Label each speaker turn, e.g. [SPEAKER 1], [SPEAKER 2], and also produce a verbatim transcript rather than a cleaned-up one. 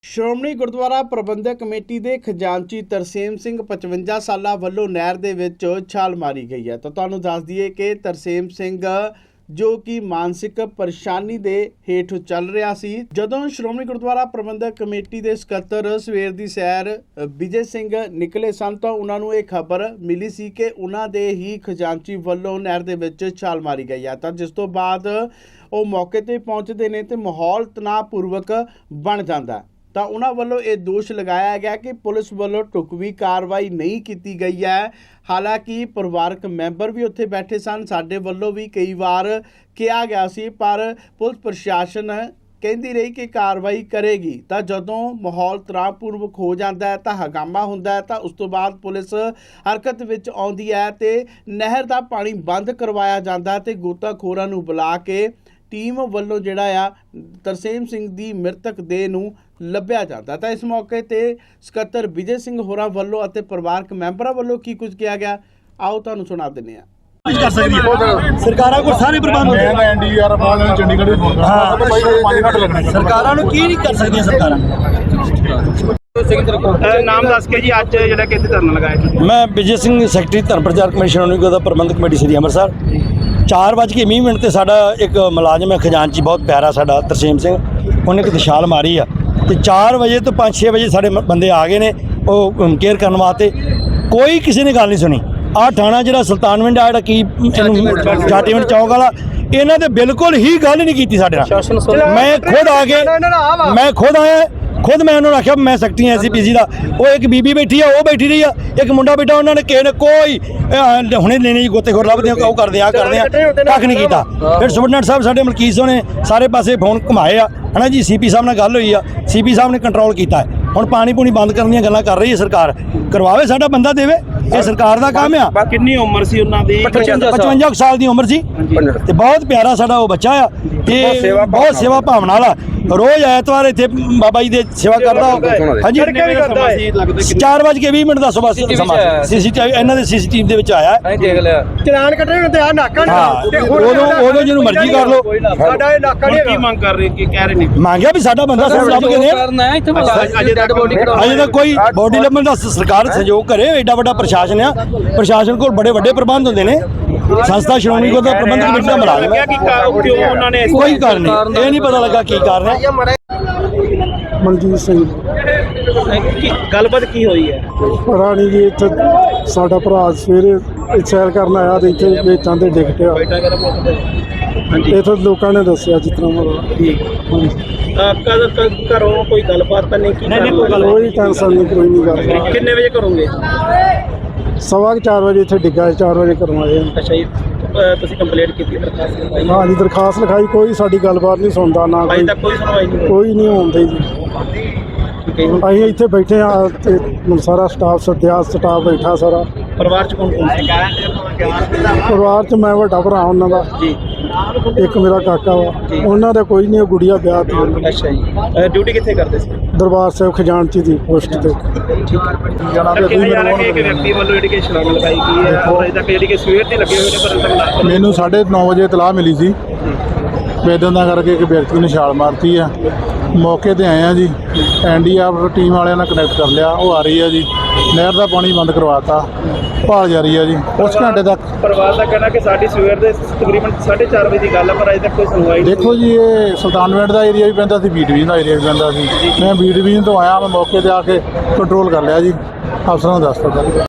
[SPEAKER 1] Shiromani Gurdwara Parbandhak committee ਦੇ ਖਜ਼ਾਨਚੀ ਤਰਸੇਮ ਸਿੰਘ ਪਚਵੰਜਾ ਸਾਲਾ ਵੱਲੋਂ ਨਹਿਰ ਦੇ ਵਿੱਚ ਛਾਲ ਮਾਰੀ ਗਈ ਹੈ। ਤਾਂ ਤੁਹਾਨੂੰ ਦੱਸ ਦਈਏ ਕਿ ਤਰਸੇਮ ਸਿੰਘ ਜੋ ਕਿ ਮਾਨਸਿਕ ਪਰੇਸ਼ਾਨੀ ਦੇ ਹੇਠ ਚੱਲ ਰਿਹਾ ਸੀ, ਜਦੋਂ ਸ਼੍ਰੋਮਣੀ ਗੁਰਦੁਆਰਾ ਪ੍ਰਬੰਧਕ ਕਮੇਟੀ ਦੇ ਸਕੱਤਰ ਸਵੇਰ ਦੀ ਸੈਰ ਵਿਜੇ ਸਿੰਘ ਨਿਕਲੇ ਸਨ ਤਾਂ ਉਹਨਾਂ ਨੂੰ ਇਹ ਖਬਰ ਮਿਲੀ ਸੀ ਕਿ ਉਹਨਾਂ ਦੇ ਹੀ ਖਜ਼ਾਨਚੀ ਵੱਲੋਂ ਨਹਿਰ ਦੇ ਵਿੱਚ ਛਾਲ ਮਾਰੀ ਗਈ ਹੈ। ਤਾਂ ਜਿਸ ਤੋਂ ਬਾਅਦ ਉਹ ਮੌਕੇ ਤੇ ਪਹੁੰਚਦੇ ਨੇ ਤੇ ਮਾਹੌਲ ਤਣਾਅਪੂਰਵਕ ਬਣ ਜਾਂਦਾ। ਤਾਂ ਉਹਨਾਂ ਵੱਲੋਂ ਇਹ ਦੋਸ਼ ਲਗਾਇਆ ਗਿਆ ਕਿ ਪੁਲਿਸ ਵੱਲੋਂ ਢੁਕਵੀਂ ਕਾਰਵਾਈ ਨਹੀਂ ਕੀਤੀ ਗਈ ਹੈ। ਹਾਲਾਂਕਿ ਪਰਿਵਾਰਕ ਮੈਂਬਰ ਵੀ ਉੱਥੇ ਬੈਠੇ ਸਨ, ਸਾਡੇ ਵੱਲੋਂ ਵੀ ਕਈ ਵਾਰ ਕਿਹਾ ਗਿਆ ਸੀ, ਪਰ ਪੁਲਿਸ ਪ੍ਰਸ਼ਾਸਨ ਕਹਿੰਦੀ ਰਹੀ ਕਿ ਕਾਰਵਾਈ ਕਰੇਗੀ। ਤਾਂ ਜਦੋਂ ਮਾਹੌਲ ਤਣਾਅਪੂਰਵਕ ਹੋ ਜਾਂਦਾ ਹੈ ਤਾਂ ਹੰਗਾਮਾ ਹੁੰਦਾ ਹੈ, ਤਾਂ ਉਸ ਤੋਂ ਬਾਅਦ ਪੁਲਿਸ ਹਰਕਤ ਵਿੱਚ ਆਉਂਦੀ ਹੈ ਤੇ ਨਹਿਰ ਦਾ ਪਾਣੀ ਬੰਦ ਕਰਵਾਇਆ ਜਾਂਦਾ ਤੇ ਗੋਤਾਖੋਰਾਂ ਨੂੰ ਬੁਲਾ ਕੇ ਟੀਮ ਵੱਲੋਂ ਜਿਹੜਾ ਆ ਤਰਸੇਮ ਸਿੰਘ ਦੀ ਮ੍ਰਿਤਕ ਦੇਹ ਨੂੰ ਲੱਭਿਆ ਜਾਂਦਾ। ਤਾਂ ਇਸ ਮੌਕੇ ਤੇ ਸਕੱਤਰ ਵਿਜੇ ਸਿੰਘ ਹੋਰਾਂ ਵੱਲੋਂ ਅਤੇ ਪਰਿਵਾਰਕ ਮੈਂਬਰਾਂ ਵੱਲੋਂ ਕੀ ਕੁਝ ਕਿਹਾ ਗਿਆ, ਆਓ ਤੁਹਾਨੂੰ ਸੁਣਾ ਦਿੰਦੇ ਹਾਂ।
[SPEAKER 2] ਕਰ ਸਕਦੀ ਹੈ ਸਰਕਾਰਾਂ ਕੋਲ ਸਾਰੇ ਪ੍ਰਬੰਧ ਹੁੰਦੇ
[SPEAKER 3] ਮੈਂ ਐਨਡੀਆਰ ਵਾਲਿਆਂ ਚੰਡੀਗੜ੍ਹ ਦੇ ਫੋਨ ਕਰਦਾ ਤਾਂ ਭਾਈ ਪੰਜ ਘੰਟੇ ਲੱਗਣੇ।
[SPEAKER 2] ਸਰਕਾਰਾਂ ਨੂੰ ਕੀ ਨਹੀਂ ਕਰ ਸਕਦੀਆਂ ਸਰਕਾਰਾਂ।
[SPEAKER 4] ਨਾਮ ਦੱਸ ਕੇ ਜੀ ਅੱਜ ਜਿਹੜਾ ਕਿ ਇੱਥੇ ਧਰਨਾ ਲਗਾਇਆ ਜੀ।
[SPEAKER 2] ਮੈਂ ਵਿਜੇ ਸਿੰਘ ਸੈਕਟਰੀ ਧਰਮ ਪ੍ਰਚਾਰ ਕਮੇਟੀ ਸ਼੍ਰੋਮਣੀ ਗੁਰਦੁਆਰਾ ਪ੍ਰਬੰਧਕ ਕਮੇਟੀ ਸ੍ਰੀ ਅੰਮ੍ਰਿਤਸਰ। ਚਾਰ ਵੱਜ ਕੇ ਵੀਹ ਮਿੰਟ ਤੇ ਸਾਡਾ ਇੱਕ ਮੁਲਾਜ਼ਮ ਹੈ ਖਜ਼ਾਨਚੀ, ਬਹੁਤ ਪਿਆਰਾ ਸਾਡਾ ਤਰਸੇਮ ਸਿੰਘ, ਉਹਨੇ ਇੱਕ ਛਾਲ ਮਾਰੀ ਆ ਤੇ ਚਾਰ ਵਜੇ ਤੋਂ ਪੰਜ ਛੇ ਵਜੇ ਸਾਡੇ ਬੰਦੇ ਆ ਗਏ ਨੇ ਉਹ ਕੇਅਰ ਕਰਨ ਵਾਸਤੇ। ਕੋਈ ਕਿਸੇ ਨੇ ਗੱਲ ਨਹੀਂ ਸੁਣੀ। ਆਹ ਥਾਣਾ ਜਿਹੜਾ ਸੁਲਤਾਨਵਿੰਡ ਆ ਜਿਹੜਾ ਕੀ ਇਹਨੂੰ ਜਾਟੀਵਿੰਡ ਚੌਕ ਵਾਲਾ, ਇਹਨਾਂ ਦੇ ਬਿਲਕੁਲ ਹੀ ਗੱਲ ਨਹੀਂ ਕੀਤੀ ਸਾਡੇ ਨਾਲ। ਮੈਂ ਖੁਦ ਆ ਕੇ ਮੈਂ ਖੁਦ ਆਇਆ ਖੁਦ ਮੈਂ ਉਹਨਾਂ ਨੂੰ ਆਖਿਆ ਮੈਂ ਸੈਕਟਰੀ ਐਸ ਸੀ ਪੀ ਸੀ ਦਾ। ਉਹ ਇੱਕ ਬੀਬੀ ਬੈਠੀ ਆ, ਉਹ ਬੈਠੀ ਰਹੀ ਆ, ਇੱਕ ਮੁੰਡਾ ਬੈਠਾ, ਉਹਨਾਂ ਨੇ ਕਿਸੇ ਨੇ ਕੋਈ ਹੁਣੇ ਲੈਣੇ ਜੀ ਗੋਤੇਖੋਰ ਲੱਭਦੇ ਆ, ਉਹ ਕਰਦੇ ਆ ਕਰਦੇ ਆ ਕੱਖ ਨਹੀਂ ਕੀਤਾ। ਫਿਰ ਸੁਪਰਡੈਂਟ ਸਾਹਿਬ ਸਾਡੇ ਮਲਕੀਤ ਸਿੰਘ ਨੇ ਸਾਰੇ ਪਾਸੇ ਫੋਨ ਘੁਮਾਏ ਆ, ਹੈ ਨਾ ਜੀ। ਸੀ ਪੀ ਸਾਹਿਬ ਨਾਲ ਗੱਲ ਹੋਈ ਆ, ਸੀ ਪੀ ਸਾਹਿਬ ਨੇ ਕੰਟਰੋਲ ਕੀਤਾ। ਹੁਣ ਪਾਣੀ ਪੂਣੀ ਬੰਦ ਕਰਨ ਦੀਆਂ ਗੱਲਾਂ ਕਰ ਰਹੀ ਹੈ ਸਰਕਾਰ, ਕਰਵਾਵੇ ਸਾਡਾ ਬੰਦਾ ਦੇਵੇ, ਇਹ ਸਰਕਾਰ ਦਾ ਕੰਮ ਆ।
[SPEAKER 4] ਕਿੰਨੀ ਉਮਰ ਸੀ ਉਹਨਾਂ ਦੀ?
[SPEAKER 2] ਪਚਵੰਜਾ ਸਾਲ ਦੀ ਉਮਰ ਸੀ ਤੇ ਬਹੁਤ ਪਿਆਰਾ ਸਾਡਾ ਉਹ ਬੱਚਾ ਆ ਤੇ ਬਹੁਤ ਸੇਵਾ ਭਾਵਨਾ ਵਾਲਾ। ਰੋਜ਼ ਐਤਵਾਰ ਇੱਥੇ ਬਾਬਾ ਜੀ ਦੇ ਸੇਵਾ ਕਰਦਾ। ਹਾਂਜੀ, ਚਾਰ ਵੱਜ ਕੇ ਵੀਹ ਮਿੰਟ ਦਾ ਸਵੇਰ ਸਮਾਂ ਸੀਸੀਟੀਵੀ ਇਹਨਾਂ ਦੇ ਸੀਸੀਟੀਵੀ ਦੇ ਵਿੱਚ ਆਇਆ।
[SPEAKER 3] ਚਲਾਨ ਕੱਢੇ ਹੁੰਦੇ ਆ ਨਾਕਾ
[SPEAKER 2] ਨਹੀਂ, ਉਦੋਂ ਉਦੋਂ ਜਿਹਨੂੰ ਮਰਜ਼ੀ ਕਰ ਲਓ।
[SPEAKER 3] ਸਾਡਾ ਇਹ ਨਾਕਾ ਨਹੀਂ।
[SPEAKER 4] ਕੀ ਮੰਗ ਕਰ ਰਹੇ ਕੀ ਕਹਿ ਰਹੇ ਨੇ?
[SPEAKER 2] ਮੰਗਿਆ ਵੀ ਸਾਡਾ ਬੰਦਾ ਸਾਨੂੰ ਲੱਭ ਕੇ ਦੇ। ਅਜੇ ਤੱਕ ਕੋਈ ਬੋਡੀ ਲੱਭਣ ਦਾ ਸਰਕਾਰ ਸਹਿਯੋਗ ਕਰੇ। ਐਡਾ ਵੱਡਾ ਪ੍ਰਸ਼ਾਸਨ ਆ, ਪ੍ਰਸ਼ਾਸਨ ਕੋਲ ਬੜੇ ਵੱਡੇ ਪ੍ਰਬੰਧ ਹੁੰਦੇ ਨੇ। ਸੰਸਥਾ ਸ਼੍ਰੋਮਣੀ ਗੁਰਦੁਆਰਾ ਪ੍ਰਬੰਧਕ ਕਮੇਟੀ ਦਾ ਮੁਲਾਜ਼ਮ ਹੈ, ਕੋਈ ਕਾਰਨ ਨਹੀਂ, ਇਹ ਨਹੀਂ ਪਤਾ ਲੱਗਾ ਕੀ ਕਾਰਨ ਹੈ।
[SPEAKER 3] ਮਨਜੀਤ ਸਿੰਘ
[SPEAKER 4] ਗੱਲਬਾਤ ਕੀ ਹੋਈ ਹੈ?
[SPEAKER 3] ਰਾਣੀ ਜੀ ਇੱਥੇ ਸਾਡਾ ਭਰਾ ਸਵੇਰੇ ਸੈਰ ਕਰਨ ਆਇਆ ਤੇ ਇੱਥੇ ਵੇਚਾਂ ਤੇ ਡਿੱਗ ਪਿਆ। ਇੱਥੇ ਲੋਕਾਂ ਨੇ ਦੱਸਿਆ ਜਿਸ ਤਰ੍ਹਾਂ ਮਤਲਬ
[SPEAKER 4] ਕਦ ਘਰੋਂ ਕੋਈ ਗੱਲਬਾਤ ਤਾਂ ਨਹੀਂ ਕੀਤੀ?
[SPEAKER 3] ਕੋਈ ਟੈਨਸ਼ਨ ਨਹੀਂ, ਕੋਈ ਨਹੀਂ ਗੱਲ।
[SPEAKER 4] ਕਿੰਨੇ ਵਜੇ ਕਰੋਗੇ?
[SPEAKER 3] ਸਵਾ ਚਾਰ ਵਜੇ ਇੱਥੇ ਡਿੱਗਾ, ਚਾਰ ਵਜੇ ਕਰਵਾਏ।
[SPEAKER 4] ਅੱਛਾ ਜੀ, ਤੁਸੀਂ ਕੰਪਲੇਂਟ ਕੀਤੀ? ਦਰਖਾਸਤ
[SPEAKER 3] ਹਾਂ ਜੀ, ਦਰਖਾਸਤ ਲਿਖਾਈ, ਕੋਈ ਸਾਡੀ ਗੱਲਬਾਤ ਨਹੀਂ ਸੁਣਦਾ ਨਾ
[SPEAKER 4] ਅਜੇ ਤੱਕ ਕੋਈ ਸੁਣਵਾਈ ਨਹੀਂ?
[SPEAKER 3] ਕੋਈ ਨਹੀਂ ਹੁੰਦੀ ਜੀ। ਅਸੀਂ ਇੱਥੇ ਬੈਠੇ ਆ ਤੇ ਸਾਰਾ ਸਟਾਫ ਸੱਦਿਆ, ਸਟਾਫ ਬੈਠਾ ਸਾਰਾ।
[SPEAKER 4] ਪਰਿਵਾਰ ਚ ਕੌਣ ਕੌਣ ਸੀ?
[SPEAKER 3] ਪਰਿਵਾਰ ਚ ਮੈਂ ਵੱਡਾ ਭਰਾ ਉਹਨਾਂ ਦਾ
[SPEAKER 4] ਜੀ,
[SPEAKER 3] ਇੱਕ ਮੇਰਾ ਕਾਕਾ ਵਾ, ਉਹਨਾਂ ਦਾ ਕੋਈ ਨਹੀਂ, ਗੁੜੀਆ ਵਿਆਹ ਤੇ।
[SPEAKER 4] ਅੱਛਾ ਜੀ, ਡਿਊਟੀ ਕਿੱਥੇ ਕਰਦੇ ਸੀ?
[SPEAKER 3] ਦਰਬਾਰ ਸਾਹਿਬ ਖਜ਼ਾਨਚੀ ਦੀ ਪੋਸਟ ਤੇ।
[SPEAKER 4] ਵਿਅਕਤੀ ਵੱਲੋਂ ਜਿਹੜੀ ਕਿ ਛਲਾਂਗ ਲਗਾਈ ਗਈ ਹੈ, ਅਜੇ ਤੱਕ ਜਿਹੜੀ ਕਿ ਸਵੇਰ ਦੀ ਲੱਗੇ ਹੋਏ ਨੇ, ਪਰ
[SPEAKER 3] ਮੈਨੂੰ ਸਾਢੇ ਨੌ ਵਜੇ ਇਤਲਾਹ ਮਿਲੀ ਸੀ ਵੇਦਨ ਦਾ ਕਰਕੇ ਇੱਕ ਵਿਅਕਤੀ ਨੇ ਛਾਲ ਮਾਰਤੀ ਆ। ਮੌਕੇ ਤੇ ਆਏ ਆ ਜੀ, ਐਨਡੀਆਰ ਟੀਮ ਵਾਲਿਆਂ ਨਾਲ ਕਨੈਕਟ ਕਰ ਲਿਆ, ਉਹ ਆ ਰਹੀ ਆ ਜੀ। ਨਹਿਰ ਦਾ ਪਾਣੀ ਬੰਦ ਕਰਵਾਤਾ, ਭਾਲ ਜਾਰੀ ਆ ਜੀ ਕੁਛ ਘੰਟੇ ਤੱਕ।
[SPEAKER 4] ਪਰਿਵਾਰ ਦਾ ਕਹਿਣਾ ਕਿ ਸਾਡੀ ਸਵੇਰ ਦੇ ਤਕਰੀਬਨ ਸਾਢੇ ਚਾਰ ਵਜੇ ਦੀ ਗੱਲ ਹੈ, ਪਰ ਅਜੇ ਤੱਕ ਕੋਈ ਸੁਣਵਾਈ ਨਹੀਂ।
[SPEAKER 3] ਦੇਖੋ ਜੀ, ਇਹ ਸੁਲਤਾਨਵਿੰਡ ਦਾ ਏਰੀਆ ਵੀ ਪੈਂਦਾ ਸੀ, ਬੀ ਡਿਵੀਜ਼ਨ ਦਾ ਏਰੀਆ ਵੀ ਪੈਂਦਾ ਸੀ। ਮੈਂ ਬੀ ਡਿਵੀਜ਼ਨ ਤੋਂ ਆਇਆ, ਮੈਂ ਮੌਕੇ ਤੇ ਆ ਕੇ ਕੰਟਰੋਲ ਕਰ ਲਿਆ ਜੀ, ਅਫਸਰਾਂ ਨੂੰ ਦੱਸ ਦਿੱਤਾ।